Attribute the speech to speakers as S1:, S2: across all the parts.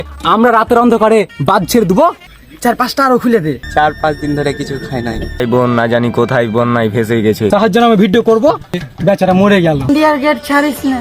S1: আমরা রাতের অন্ধকারে বাদ ছেড়ে দেবো,
S2: 4-5টা আরো খুলে দে।
S3: 4-5 দিন ধরে কিছু খাই নাই।
S4: এই বোন না জানি কোথায় বন্যায় ফেসে গেছে।
S1: সাহায্য আমি ভিডিও করব, বেচারা মরে গেল।
S5: ইন্ডিয়ার গেট ছাড়িস না।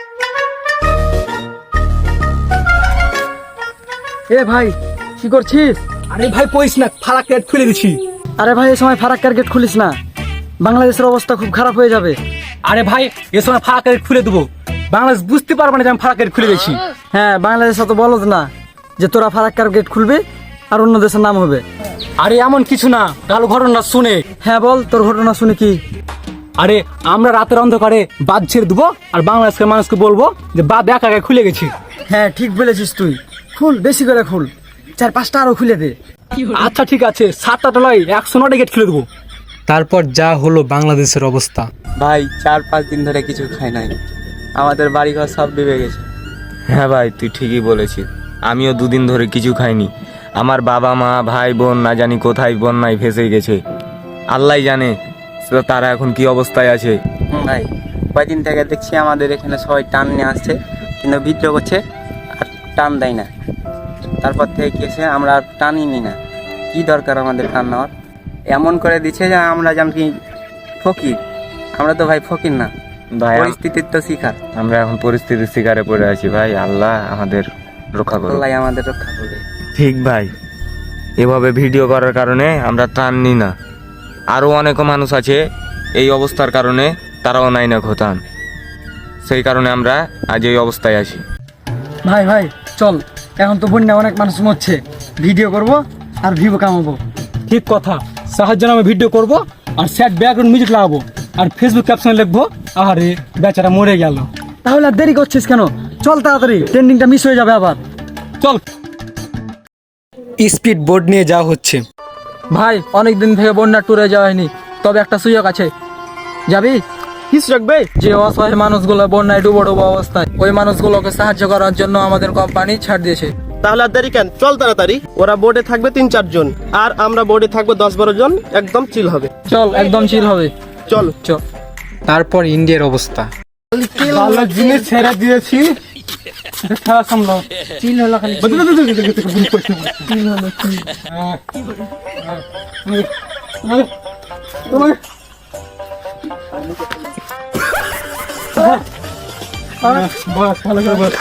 S2: এ ভাই কি করছিস?
S1: আরে ভাই কইস না, ফারাক গেট খুলে দিছি।
S2: আরে ভাই এই সময় ফারাক্কার গেট খুলিস না, বাংলাদেশের অবস্থা খুব খারাপ হয়ে যাবে।
S1: আরে ভাই এ সময় ফারাক গেট খুলে দেবো, বাংলাদেশ বুঝতে পারবে না যে আমি ফারাক গেট খুলে দিয়েছি।
S2: হ্যাঁ, বাংলাদেশ অত বলদ না যে তোরা ফারাক্কার গেট খুলবে আর অন্য দেশের নাম হবে।
S1: আরে এমন কিছু না, কালো ঘটনা শুনে।
S2: হ্যাঁ বল, তোর ঘটনা শুনে কি?
S1: আরে আমরা রাতের অন্ধকারে বাদ ছেড়ে দেবো আর বাংলাদেশের মানুষকে বলবো যে বাদ একা একা খুলে গেছি।
S2: হ্যাঁ ঠিক বলেছিস তুই, খুল, বেশি করে খুল, 4-5টা আরো খুলে দে।
S1: আচ্ছা ঠিক আছে, 7টা টলায় 109টা গেট খুলে দেবো।
S6: তারপর যা হলো বাংলাদেশের অবস্থা।
S3: ভাই 4-5 দিন ধরে কিছু খাই নাই, আমাদের বাড়িঘর সব ডুবে গেছে।
S4: হ্যাঁ ভাই তুই ঠিকই বলেছিস, আমিও 2 দিন ধরে কিছু খাইনি। আমার বাবা মা ভাই বোন না জানি কোথায় বন্যায় ফেসে গেছে, আল্লাহ জানে তারা এখন কি অবস্থায় আছে।
S3: ভাই কয়দিন থেকে দেখছি আমাদের এখানে সবাই টান নিয়ে আসছে, কিন্তু বিদ্রোহ করছে আর টান দেয় না। তারপর থেকে কি হয়েছে, আমরা আর টানই নি না। কি দরকার আমাদের টান নেওয়ার? এমন করে দিচ্ছে যে আমরা যেমন কি ফকির। আমরা তো ভাই ফকির না,
S4: ভাই
S3: পরিস্থিতির তো শিকার।
S4: আমরা এখন পরিস্থিতির শিকারে পড়ে আছি ভাই, আল্লাহ আমাদের রক্ষা করুন।
S3: আল্লাহ আমাদের রক্ষা করবে।
S4: ঠিক ভাই, এভাবে ভিডিও করার কারণে আমরা ত্রাণ নিই না। আরও অনেক মানুষ আছে এই অবস্থার কারণে, তারাও নাই না খোতান, সেই কারণে আমরা আজ এই অবস্থায় আছি।
S2: ভাই ভাই চল, এখন তো বন্যা অনেক মানুষ মরছে, ভিডিও করব আর ভিউ কামাবো।
S1: ঠিক কথা, সাহায্য আমি ভিডিও করব আর স্যাড ব্যাকগ্রাউন্ড মিউজিক লাগাবো আর ফেসবুক ক্যাপশনে লিখবো আরে বেচারা মরে গেল।
S2: তাহলে আর দেরি করছিস কেন? চল তাড়াতাড়ি, ট্রেন্ডিংটা মিস হয়ে যাবে আবার।
S1: চল।
S6: স্পিড বোর্ড নিয়ে যাওয়া হচ্ছে।
S2: ভাই অনেক দিন থেকে বন্যা ট্যুরে যাওয়া হয়নি, তবে একটা সুযোগ আছে, যাবি? কি সুযোগ ভাই? যে অসহায় মানুষগুলো বন্যায় ডুবো ডুবো অবস্থায়, ওই মানুষগুলোকে সাহায্য করার জন্য আমাদের কোম্পানি ছাড় দিয়েছে।
S7: তাহলে আর দেরি কেন, চল তাড়াতাড়ি। ওরা বোর্ডে থাকবে 3-4 জন আর আমরা বোর্ডে থাকবো 10-12 জন, একদম চিল হবে।
S2: চল, একদম চিল হবে,
S7: চল
S2: চল।
S6: তারপর ইন্ডিয়ার অবস্থা।
S1: ভালো জিনিস ছেড়ে দিয়েছি, খেলা সামলাও।
S2: চিল হলো খালি।
S1: বস ভালো করে বস।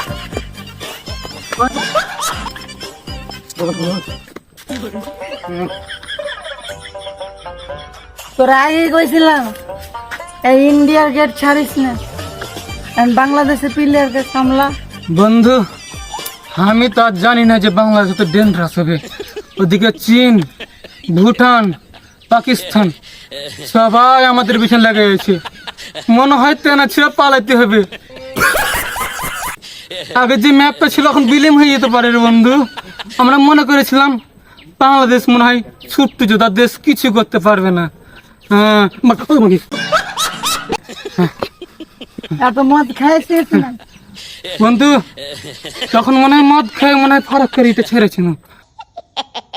S5: তোরা আগেই কইছিলাম এই ইন্ডিয়ার গেট ছাড়িস না, বাংলাদেশের প্লেয়ারকে সামলা।
S1: বন্ধু আমি তো আর জানি না যে বাংলাদেশ তো ডেঞ্জারাস হবে। ওদিকে চীন, ভুটান, পাকিস্তান সবাই আমাদের পিছনে লেগে গেছে। মনে হয় তেনা ছেড়ে পালাইতে হবে। আগে যে ম্যাপটা ছিল এখন বিলীন হয়ে যেতে পারে রে বন্ধু। আমরা মনে করেছিলাম বাংলাদেশ মনে হয় ছোট্ট যোদ্ধা দেশ, কিছু করতে পারবে না। হ্যাঁ
S5: এত মদ খাইছিস না?
S1: বন্ধু তখন মনে হয় মদ খেয়ে মনে হয় ফারাক করে এটা ছেড়েছিল।